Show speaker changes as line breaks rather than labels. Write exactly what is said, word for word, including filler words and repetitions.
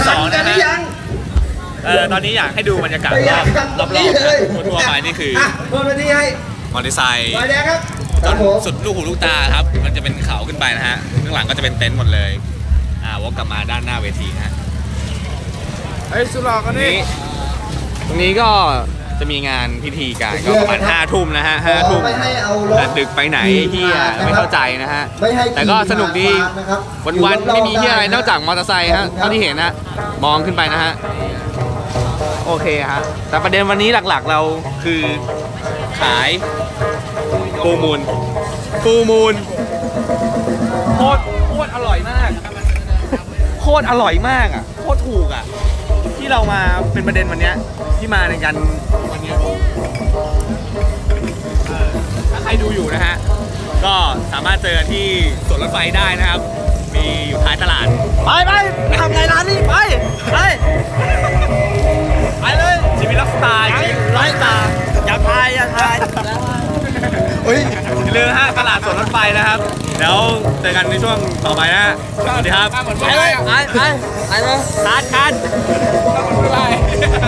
สองนะฮะเออตอนนี้อยากให้ดูบรรยากาศรอบรอบๆทั่วไปนี่คือ
เปิดวันนี้ให้
มอเตอร์ไซค์
ไฟแดงครับ
จนสุดลูกหูลูกตาครับมันจะเป็นเขาขึ้นไปนะฮะข้างหลังก็จะเป็นเต็นท์หมดเลยอ่าวกกลับมาด้านหน้าเวทีนะฮะ
ไอ้สุรอกันนี่
ตรงนี้ก็จะมีงานพิธีการก็ประมาณห้าทุ่มนะฮะห้าทุ่มแต่ดึกไปไหนเฮียไม่เข้าใจนะฮะแต่ก็สนุกดีวันๆไม่มีเฮียอะไรนอกจากมอเตอร์ไซค์ฮะเท่าที่เห็นนะมองขึ้นไปนะฮะโอเคฮะแต่ประเด็นวันนี้หลักๆเราคือขายฟูมูลฟูมูลโคตรโคตรอร่อยมากโคตรอร่อยมากอ่ะโคตรถูกอ่ะที่เรามาเป็นประเด็นวันนี้ที่มาในการวันนี้ถ้าใครดูอยู่นะฮะก็สามารถเจอที่สวนรถไฟได้นะครับมีอยู่ท้ายตลาดไปไปไปทำไงร้านนี้ไปไปไปเลยชีวิตไลฟ์สไตล์ไลฟ์สไตล์อย่าทายอย่าทายเฮ้ยอย่าลืมฮะตลาดสวนรถไฟนะครับเดี๋ยวเจอกันในช่วงต่อไปนะสวัสดีครับไปเลยไปไปไปเลยคัดคัด